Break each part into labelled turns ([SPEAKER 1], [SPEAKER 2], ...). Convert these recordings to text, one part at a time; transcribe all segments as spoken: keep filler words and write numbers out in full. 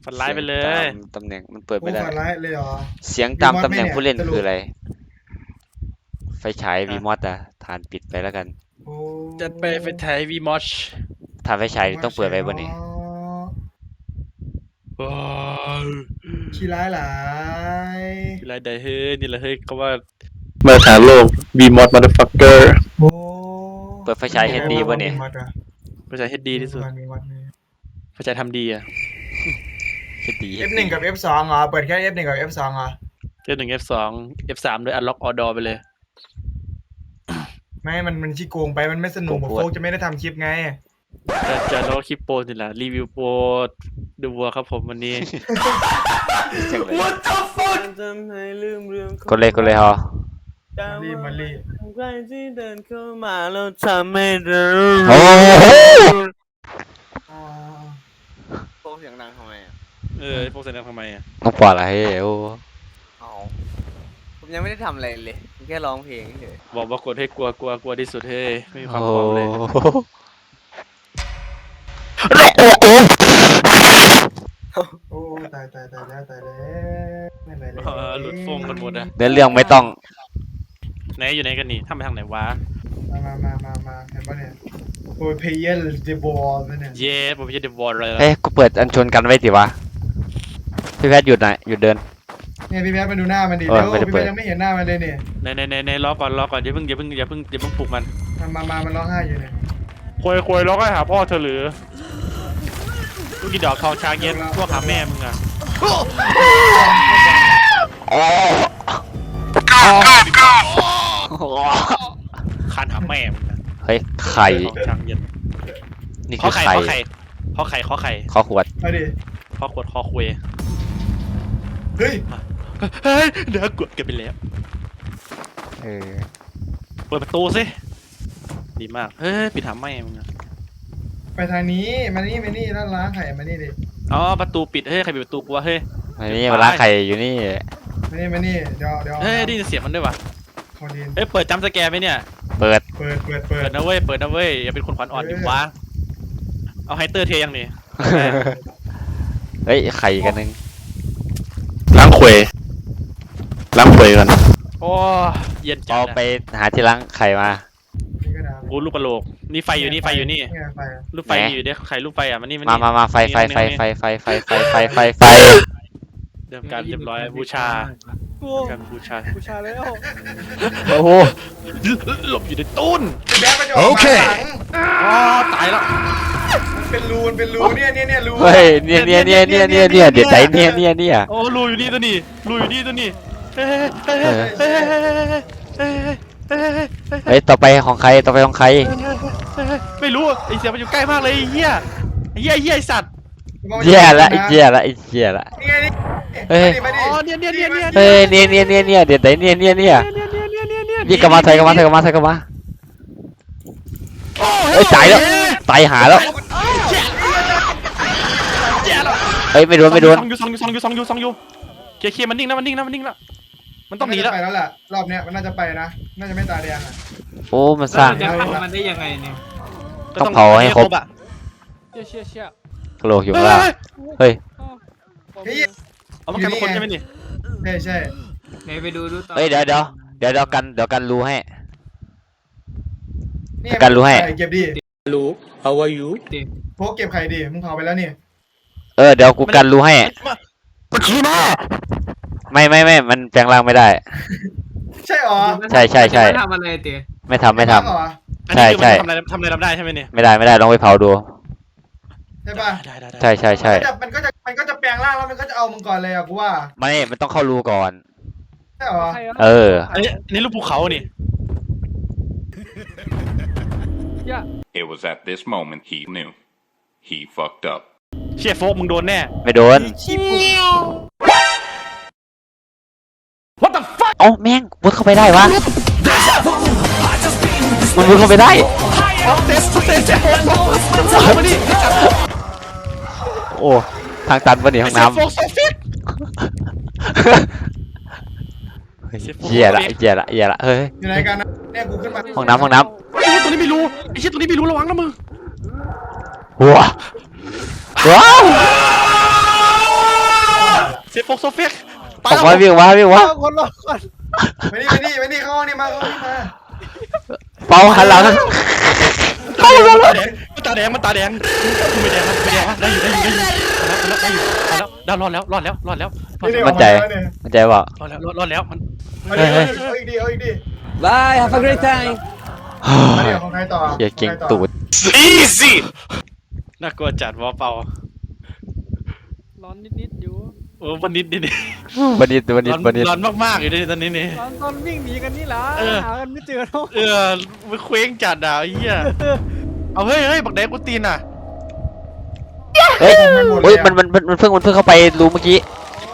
[SPEAKER 1] ฝันร้ายไปเลย
[SPEAKER 2] ตำแหน่งมันเปิดไม่ได้
[SPEAKER 3] ฝันร้ายเลยเหรอ
[SPEAKER 2] เสียงตามตำแหน่งผู้เล่นคืออะไรไฟฉายวีมอสอะฐานปิดไปแล้วกัน
[SPEAKER 1] จัดไปไฟฉายวีมอช
[SPEAKER 2] ถ้าไฟฉายต้องเปิดไว้บนนี้
[SPEAKER 3] ขี้ร้ายหลาย
[SPEAKER 1] ขี้ร้ายได้เฮ้ยนี่แหละเฮ้ยเขาว่า
[SPEAKER 4] มาหาโลกวีมอสมาร์ฟักเกอร์
[SPEAKER 2] เปิดไฟฉายเฮดดีบนนี้
[SPEAKER 1] ไฟฉายเฮดดีที่สุดไฟฉายทำดีอะ
[SPEAKER 2] เฮดดี
[SPEAKER 3] เอฟ หนึ่ง กับ เอฟ สอง เหรอเปิดแค่ เอฟ หนึ่ง กับ เอฟ สอง เหรอ
[SPEAKER 1] เอฟ หนึ่ง เอฟ สอง เอฟ สามด้วยอันล็อกออดอไปเลย
[SPEAKER 3] ไม่มันมันชี้โกงไปมันไม่สนุกโฟกจะไม่ได้ทำคลิปไง
[SPEAKER 1] จะจะล้อคลิปโปรนี่แหละรีวิวโปรดูวัวครับผมวันนี้
[SPEAKER 3] What the fuck
[SPEAKER 2] กดเลยกดเลยฮะ
[SPEAKER 3] รีมารี
[SPEAKER 1] ใครที่เดินเข้ามาแล้วทำให้เรา
[SPEAKER 2] โอ้โห
[SPEAKER 5] โฟกเสียงดังทำไมอ่ะ
[SPEAKER 1] เออโฟกเสียงดังทำไมอ่ะ
[SPEAKER 2] ต้องปล่อยอะไรโอ้
[SPEAKER 5] ผมยังไม่ได้ทำอะไรเลยแค่ร้องเพลงเฉย
[SPEAKER 1] บอกว่ากดให้กลัวกลัวกลัวที่สุดเฮ้ยไม่มีความพร้อมเลย
[SPEAKER 3] โอ้ตายตายตายแล้วตายแล้วไม่ไหวแล้ว
[SPEAKER 1] หลุดฟงกันหมดอะ
[SPEAKER 2] เดินเรื่องไม่ต้อง
[SPEAKER 1] ไหนอยู่ไหนกันนี่ทำไปทางไหนวะ
[SPEAKER 3] มามามามามาเห็นปะเนี่ยโอ้ยเพย์เยอร์เดบอลเนี่ย
[SPEAKER 1] เย้ผมจะเดบอลเลย
[SPEAKER 2] เฮ้ยกูเปิดอันชนกันไว้สิวะพี่แพทย์หยุดหน่อยหยุดเดิน
[SPEAKER 3] เนี่ยพี่แพทย์มาดูหน้ามันดิเดี๋ยวพี่แพทย์ยังไม่เห็นหน้ามันเลยเนี่ย
[SPEAKER 1] ในในในในรอก่อนรอก่อนอย่าเพิ่งอย่าเพิ่งอย่าเพิ่งอย่าเพิ่งปลุกมัน
[SPEAKER 3] มามามันร้องไห้อยู่เนี่ย
[SPEAKER 1] ควยควยร้องไห้หาพ่อเธอหรือลูกกี่ดอกทองช้างเย็นพวกหาแม่มึงอะคันหาแม่มึงนะ
[SPEAKER 2] เฮ้ยไข่
[SPEAKER 1] ช้างเย็น
[SPEAKER 2] นี่คือไข่
[SPEAKER 1] ข้อไข่ข้อไข่ข้อไข่
[SPEAKER 2] ข้อขวด
[SPEAKER 3] มาดิ
[SPEAKER 1] ข้อขวดข้อคุย
[SPEAKER 3] เฮ้ย
[SPEAKER 1] เฮ้ยเดี๋ยวกดกันไปแล้ว
[SPEAKER 2] เออ
[SPEAKER 1] เปิดประตูสิดีมากเฮ้ยปิดหาแม่มึงอะ
[SPEAKER 3] ไปทางนี้มานี่มานี่ร้านล้างไข่มานี่ดิ
[SPEAKER 1] อ๋อประตูปิดเฮ้ยใครปิดประตูกูวะเฮ้ย
[SPEAKER 2] มานี่มาล้างไข่อยู่นี่
[SPEAKER 3] มานี่มานี่เดี๋ยวเดี๋ยว
[SPEAKER 1] เฮ้ยได้ยินเสียงมันด้วยวะเฮ้ยเปิดจำสแกร์ไหมเนี่ย
[SPEAKER 2] เปิด
[SPEAKER 3] เปิดเปิดเปิ
[SPEAKER 1] ดนะเว้ยเปิดนะเว้ยอย่าเป็นคนขวัญอ่อนดิวะเอาไฮเตอร์เทยังนี่
[SPEAKER 2] เฮ้ยไข่กันนึง
[SPEAKER 4] ล้างเขวล้างเขวกัน
[SPEAKER 1] โอ้เย็นจั
[SPEAKER 2] ดเอาไปหาที่ล้างไข่มา
[SPEAKER 1] กูลูกกระโหลกนี่ไฟอยู่นี่ไฟอยู่นี่ลูกไฟอยู่เด้ไข่ลูกไฟอ่ะมันนี่มัน
[SPEAKER 2] มามามาไฟไฟไฟไฟไฟไฟไฟไฟไฟไฟ
[SPEAKER 1] เริ่มการเรียบร้อยบูชาการบูชา
[SPEAKER 5] บูชาแล้ว
[SPEAKER 2] โอ้โห
[SPEAKER 1] หลบอยู่ในตู้น
[SPEAKER 3] โอเค
[SPEAKER 1] อ๋อตายแล้ว
[SPEAKER 3] เป็นรูนเป็นรูเนี่ยเนี่ยเนี่ยรู
[SPEAKER 2] เฮ้ยเนี่ยเนี่ยเนี่ยเนี่ยเนี่ยเนี่ยเดี๋ยวใจเนี่ยเนี่ยเนี่ย
[SPEAKER 1] โอ้รูอยู่นี่ตัวนี้รูอยู่นี่ตัวนี้เฮ้ยเฮ้ยเฮ้ยเฮ้ย
[SPEAKER 2] เฮ้ยต่อไปของใครต่อไปของใคร
[SPEAKER 1] ไม่รู้ไอเสียมันอยู่ใกล้มากเลยไอ้เหี้ยไอ้เหี้ยเหี้ยไอสัตว์
[SPEAKER 2] เหี้ยละไอ้เหี้ยละไอ้เหี้ยละ
[SPEAKER 3] เฮ้ย
[SPEAKER 1] อ๋อเนี่ยเนี่ยเนี่ยเนี่ย
[SPEAKER 2] เฮ้ยเนี่ยเนี่ยเนี่ยเนี่ยเดี๋ยวไหนเนี่ยเนี่ยเนี่ยยี่กลับมาไทยกลับมาไทยกลับมาไทยกลับมาเฮ้ยตายแล้วตายหาแล้วเฮ้ยไม่โดนไม่โดน
[SPEAKER 1] ซองยูซองยูซองยูซองยูซองยูเคลียร์เคลียร์มันนิ่งนะมันนิ่งนะมันนิ่งแล้วมันต้องหนีแล้ว
[SPEAKER 3] ไปแล้วแหละรอบเนี้ยมันน่าจะไปนะน่าจะไม่ตาแดงอ่ะ
[SPEAKER 2] โอ้มันสร้าง
[SPEAKER 5] จะฆ่ามันได้ยังไงเนี่ย
[SPEAKER 2] ต้องเผาให้ครบ
[SPEAKER 1] เชี่ยเชี่ยเชี่ย
[SPEAKER 2] กระโหลกอยู่ล่างเฮ้ย
[SPEAKER 1] เอามันกลายเป็นคนใช่ไหมนี่
[SPEAKER 3] ใช่ใช่
[SPEAKER 5] ไหนไปดูดูต่อ
[SPEAKER 2] เฮ้ยเดี๋ยวเดี๋ยวเดี๋ยวเดี๋ยวกันเดี๋ยวกันรู้ให้กันรู้ให้
[SPEAKER 3] เก็บดิ
[SPEAKER 1] รู้ how are you
[SPEAKER 3] พวกเก็บไข่ดิมึงเผาไปแล้วนี่
[SPEAKER 2] เออเดี๋ยวกูกันรู้ให้มันขี้มาไม่ไม่ไม่มันแปลงร่างไม่ได้
[SPEAKER 3] ใช่หรอ
[SPEAKER 2] ใช่ใช่ใช่
[SPEAKER 5] ไม่ทำอะไรเต๋
[SPEAKER 2] ไม่ทำไม่ทำใช่ใช่
[SPEAKER 1] ทำอะไรทำอะไรทำได้ใช่ไหมเนี่ย
[SPEAKER 2] ไม่ได้ไม่ได้ลองไปเผาดู
[SPEAKER 3] ใช่ป่ะ
[SPEAKER 2] ใช่ใช่ใช่
[SPEAKER 3] มันก็จะมันก็จะแปลงร่างแล้วมันก็จะเอามึงก่อนเลยอ่ะกูว่า
[SPEAKER 2] ไม่มันต้องเข้ารูก่อน
[SPEAKER 3] ใช่หรอ
[SPEAKER 2] เออ
[SPEAKER 1] อันนี้นี่รูปภูเขานี่
[SPEAKER 6] It was at this moment he knew he fucked up
[SPEAKER 1] เชี่ยโฟกมึงโดนแน่
[SPEAKER 2] ไม่โดน
[SPEAKER 1] What the fuck
[SPEAKER 2] เอ้าแม่งมุดเข้าไปได้วะมันมุดเข้าไปได้โอ้ทางตันวะนี่ห้องน้ำเหี้ยละเหี้ยละเหี้ยละเฮ้ย
[SPEAKER 3] อยู่ไหนกันนะเนี่ยกูขึ้นมา
[SPEAKER 2] ห้องน้ำห้องน้
[SPEAKER 1] ำไอ้ตัวนี้ไม่รู้ไอ้เชี่ยตัวนี้ไม่รู้ระวังนะมึง
[SPEAKER 2] ว้าว้าว
[SPEAKER 1] ฟกโซเฟกไป
[SPEAKER 2] ออกมาวิ่งวะวิ่งวะ
[SPEAKER 5] คนรอก่อน
[SPEAKER 3] มานี่มานี่มานี่เข้าห้องนี่มาเข้าห้องนี่มา
[SPEAKER 2] เปาหันหลัง
[SPEAKER 1] ตาแดงมันตาแดงมันตาแดงไม่แดงไม่แดงได้อยู่ได้อยู่ได้อยู่ได้อยู่ได้แล้วรอดแล้วรอดแล้วรอดแล้ว
[SPEAKER 2] มั่นใจมั่นใจเปล่าร
[SPEAKER 1] อดแล้วรอดแล้วมัน
[SPEAKER 3] เอาดิเอาอีกดิเอาอีกดิ
[SPEAKER 5] Bye have a great time
[SPEAKER 3] มาเดี๋ยวของใครต่อ
[SPEAKER 2] เฮียเก่งตูด
[SPEAKER 4] easy
[SPEAKER 1] น่ากลัวจัดวอเปา
[SPEAKER 7] ร้อนนิดๆอยู่
[SPEAKER 1] โอ้วันนิดนิด
[SPEAKER 2] บันดิตบันดิต
[SPEAKER 1] ร้อน
[SPEAKER 2] บันดิต
[SPEAKER 1] ร้อนมากๆอยู่ในตอนนี้นี่
[SPEAKER 7] ตอนตอนวิ่งหนีกันนี่ล่ะ
[SPEAKER 1] เออ
[SPEAKER 7] หากันไม่เจอแล้ว
[SPEAKER 1] เออมันเคว้งจัดอ่ะเฮียเอาเฮ้ยเฮ้ยบักแดงกูตีนอ่ะ
[SPEAKER 2] เฮ้ยเฮ้ยมันมันมันมันเพิ่งมันเพิ่งเข้าไปรูเมื่อกี้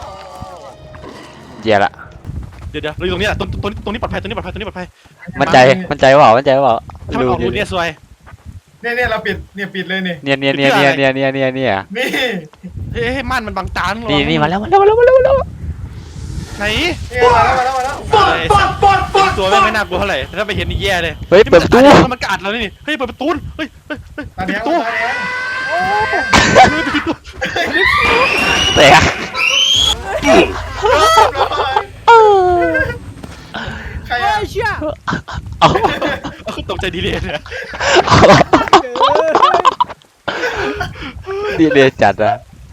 [SPEAKER 2] เหี้ยละ
[SPEAKER 1] เดี๋ยวเดี๋ยวเราอยู่ตรงนี้ตรงตรงตรงนี้ปลอดภัยตรงนี้ปลอดภัยตรงนี้ปลอดภัย
[SPEAKER 2] มั่นใจมั่นใจเปล่ามั่นใจเปล่า
[SPEAKER 1] ถ้ามันออกรูเนี่ยซวย
[SPEAKER 3] เนี่ยเนี่ยเราปิดเนี่ยปิดเลยนี่
[SPEAKER 2] เนี่ยเนี่ยเนี่ยเนี่ยเนี่ยเนี่ยเนี่ยเนี่ย
[SPEAKER 3] นี่
[SPEAKER 1] เฮ้ยให้ม่านมันบังตาหรอ
[SPEAKER 2] นี่นี่มาแล้วมาแล้วมาแล้วมาแล้วมาแล้ว
[SPEAKER 1] ไหน
[SPEAKER 3] นี่มาแล้วมาแล้วมาแล้ว
[SPEAKER 1] ตัวไม่ไม่น่ากลัวเท่าไหร่ถ้าไปเห็นนี่แย่เลย
[SPEAKER 2] เฮ้ยเปิดประตู
[SPEAKER 1] แล้วมันกัดเรานี่เฮ้ยเปิดประตูเฮ้ยเฮ้ยเฮ้ย
[SPEAKER 3] ตา
[SPEAKER 1] ปิ
[SPEAKER 3] แด
[SPEAKER 1] ด
[SPEAKER 3] ง
[SPEAKER 1] ประตู
[SPEAKER 3] ตาแดง
[SPEAKER 2] แต่อะ
[SPEAKER 3] ใคร
[SPEAKER 7] เฮ้
[SPEAKER 3] อ่ะ
[SPEAKER 7] ยเชี่ย
[SPEAKER 2] เอา
[SPEAKER 1] ตกใจดีเลยเนี่ย
[SPEAKER 2] ดีเลยจัดอะ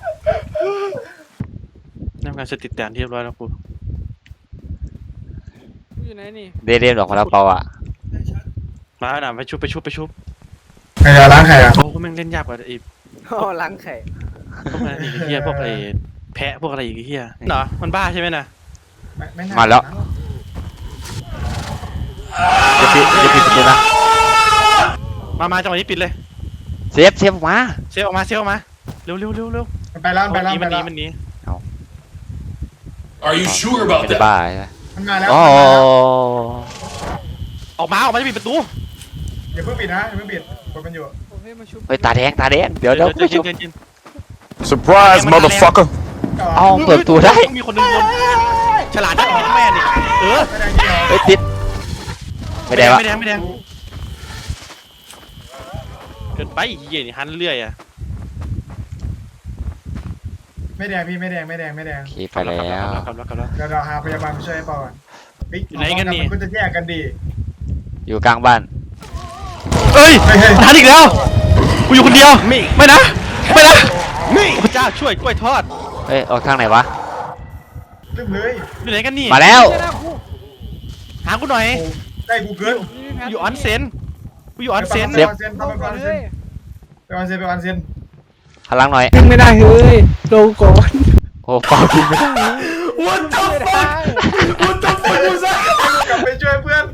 [SPEAKER 1] ทำงานเสร็จติดแตนที่เรียบร้อยแล้วครู
[SPEAKER 7] อยู่ไหนนี่
[SPEAKER 2] เดเรียนออกมาแล้วเปล่าอ่ะ
[SPEAKER 1] มาหน่ะไปชุบไปชุบไปชุบ
[SPEAKER 3] ใครจะล้างใครอ่ะ
[SPEAKER 1] โอ้แม่งเล่นยากกว่าไอ้
[SPEAKER 5] อ๋อล้างไข่
[SPEAKER 1] พวกอะไรอีกเฮียพวกไอ้แพะพวกอะไรอีกเฮียเหรอมันบ้าใช่ไหมน่ะ
[SPEAKER 2] มาแล้วจะปิดจะปิดประตูนะ
[SPEAKER 1] มามาจังหวะนี้ปิดเลย
[SPEAKER 2] เซฟเซฟออกมา
[SPEAKER 1] เซฟออกมาเซฟออกมาเร็วเร็วเร็วเร็ว
[SPEAKER 3] ไปแล้วไปแล้ว
[SPEAKER 1] มัน
[SPEAKER 3] ไป
[SPEAKER 1] หนี
[SPEAKER 3] แล้ว
[SPEAKER 1] มันหนี
[SPEAKER 4] are you sure
[SPEAKER 2] ไม่
[SPEAKER 4] about
[SPEAKER 2] ได้
[SPEAKER 4] that
[SPEAKER 2] บ้าใช่ไหม
[SPEAKER 3] มันมาแล้ว
[SPEAKER 2] อ๋อ
[SPEAKER 1] ออกมาออกมาจะปิดประตู
[SPEAKER 3] อย่าเพิ่งปิดนะอย่าเพิ่งปิดกดมันอยู่
[SPEAKER 7] ผมให้มาชุบ
[SPEAKER 2] เฮ้ยตาแดงตาแดงเดี๋ยวเดี๋ยว
[SPEAKER 1] เดี๋ยวเย็น
[SPEAKER 4] surprise motherfucker
[SPEAKER 2] เอาเปิดประตูได้
[SPEAKER 1] มีคนหนึ่งคนฉลาดที่แม่นี่เออ
[SPEAKER 3] ไม่ได้เกี่ยว
[SPEAKER 2] เฮ้ยติดไม่ได้วะ
[SPEAKER 1] ไม่แดงไม่แดงเกินไปเหี้ยนี่หันเรื่อยอ่ะ
[SPEAKER 3] ไม่แดงพี่ไม่แดงไม่แดงไม่แดง
[SPEAKER 2] โอเคไปแล้ว
[SPEAKER 1] กลับแล้วกลับแล้ว
[SPEAKER 3] เดี๋ยวเราหาพยาบาลมาช่วยให้ปอก่อนปิ๊ก
[SPEAKER 1] อยู่ไหนกันนี่
[SPEAKER 3] มัก็จะแยกกันดี
[SPEAKER 2] อยู่กลางบ้าน
[SPEAKER 1] เอ้ย
[SPEAKER 3] เฮ้ยเฮ้ย
[SPEAKER 1] ทันอีกแล้วกูอยู่คนเดียวไม่ไม่นะไม่นะพระเจ้าช่วยกล้วยทอด
[SPEAKER 2] เฮ้ยออกทางไหนวะ
[SPEAKER 3] ลืมเลย
[SPEAKER 1] อยู่ไหนกันนี่
[SPEAKER 2] มาแล้ว
[SPEAKER 7] เจ้าหน้าคู่
[SPEAKER 1] หากูหน่อย
[SPEAKER 3] โอ้ได้กูเกิน
[SPEAKER 7] นี่แพท
[SPEAKER 1] อยู่ออนเซนกูอยู่ออนเซน
[SPEAKER 3] ไปออนเซน
[SPEAKER 7] ลง
[SPEAKER 3] ไป
[SPEAKER 7] ก่
[SPEAKER 3] อ
[SPEAKER 7] อ
[SPEAKER 3] อน น
[SPEAKER 7] เล
[SPEAKER 3] เซน
[SPEAKER 7] ย
[SPEAKER 3] ไปออนเซนไปออนเซน
[SPEAKER 2] พลังหน่อย
[SPEAKER 7] ขึ้นไม่ได้เฮ้ยลงก่อน
[SPEAKER 2] โอ้เปล่าจริงไม่ได้
[SPEAKER 3] What the
[SPEAKER 7] ไม่ได้
[SPEAKER 3] fuck What the fuck กลับไปช่วยเพื่อน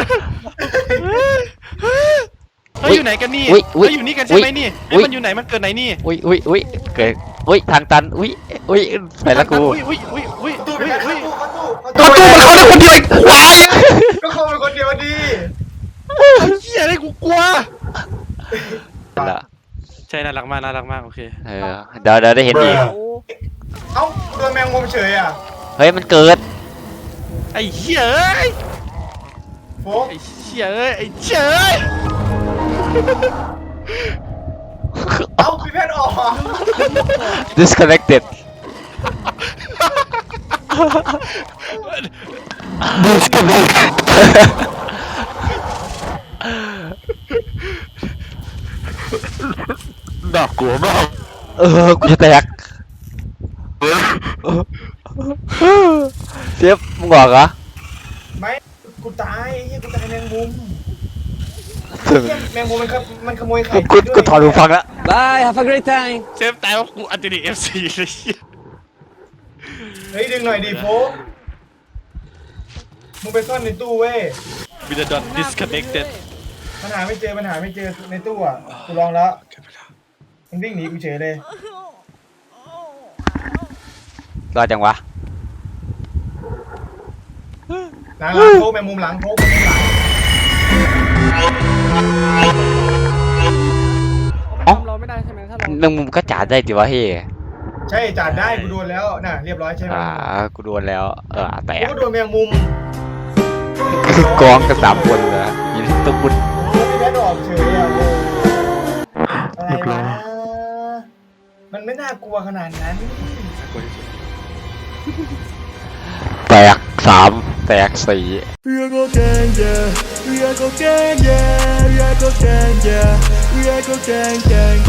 [SPEAKER 1] เฮ้ยอยู่ไหนกันนี่
[SPEAKER 2] อุ้ยอุ้ย
[SPEAKER 1] เฮ้ยอยู่นี่กันใช่ไหมนี่เฮ้ยมันอยู่ไหนมันเกิดไหนนี่
[SPEAKER 2] อุ้ยอุ้ยอุ้ยเกิดอุ้ยทางตันอุ้ยอุ้ยไปละกู
[SPEAKER 1] อุ้ยอุ้ยอุ้ยอุ้ย
[SPEAKER 3] ตู้ไป
[SPEAKER 1] อุ้ย
[SPEAKER 3] กัน
[SPEAKER 1] อุ้ย
[SPEAKER 3] ตู้เข้าตู้
[SPEAKER 2] ประตูมันเข้าได้คนเดียวไอ้ควาย
[SPEAKER 3] ก็เข้าไปคนเดียวดี
[SPEAKER 1] เหี้ยอะไรกูกลัว
[SPEAKER 2] ละ
[SPEAKER 1] ใช่น่ารักมากน่ารักมากโอเค
[SPEAKER 2] เออเดี๋ยวเดี๋ยวได้เห็นอีก
[SPEAKER 7] โอ้
[SPEAKER 3] เอ้าโดนแมงมุมเฉยอ่ะ
[SPEAKER 2] เฮ้ยมันเกิด
[SPEAKER 1] ไอ้เหี้ยเอ้ย
[SPEAKER 3] โฟก
[SPEAKER 1] ไอ้เหี้ยเอ้ยไอ้เหี้ยเอ้ย
[SPEAKER 3] เอ้าพี่เพชรออก
[SPEAKER 2] disconnected disconnected
[SPEAKER 4] น่ากลัวมาก
[SPEAKER 2] เออกูจะแตกเสียบมึงบอกเหรอ
[SPEAKER 3] ไม่กูตายเฮียกูตายแมงมุม
[SPEAKER 2] ถึง
[SPEAKER 3] เฮียแมงมุมมันขโมันขโมยไข่
[SPEAKER 2] กูกูกูถอดหูฟังแล้ว
[SPEAKER 5] Bye have a great time
[SPEAKER 1] เซฟตายว่ากูอันตินีเอฟซีเลยเหี้ย
[SPEAKER 3] เฮ้ยดึงหน่อยดิโฟกมึงไปซ่อนในตู้เว้ย
[SPEAKER 1] วิดดอน disconnected
[SPEAKER 3] มันหาไม่เจอมันหาไม่เจอในตู้อ่ะกูลองแล้วมันวิ่งหนีกูเฉยเลย
[SPEAKER 2] รอดจังวะ
[SPEAKER 3] หลังหลังโฟกแมงมุมหลังโฟกแมงมุมหลัง
[SPEAKER 7] เขาทำเราไม่ได้ใช่ไหมถ้าเรา
[SPEAKER 2] แมงมุมก็จ่าได้ดิวะเฮ้ย
[SPEAKER 3] ใช่จ่าได้กูโดนแล้วน่ะเรียบร้อยใช่ไหม
[SPEAKER 2] อ่ากูโดนแล้วเออแต
[SPEAKER 3] กู
[SPEAKER 2] ก
[SPEAKER 3] ก็โดนแมงมุม
[SPEAKER 2] กองกันสามคนเลยยินตุ๊กุน
[SPEAKER 3] แล้วพี่แพทย์ออกเฉยอ่ะโอ้อะไรวะมันไม่น่ากลัวขนาดนั้น
[SPEAKER 2] แตกสามแตกสี่
[SPEAKER 8] We are go gang, yeah. We are go gang, yeah. We are go gang, yeah. We are go gang, gang,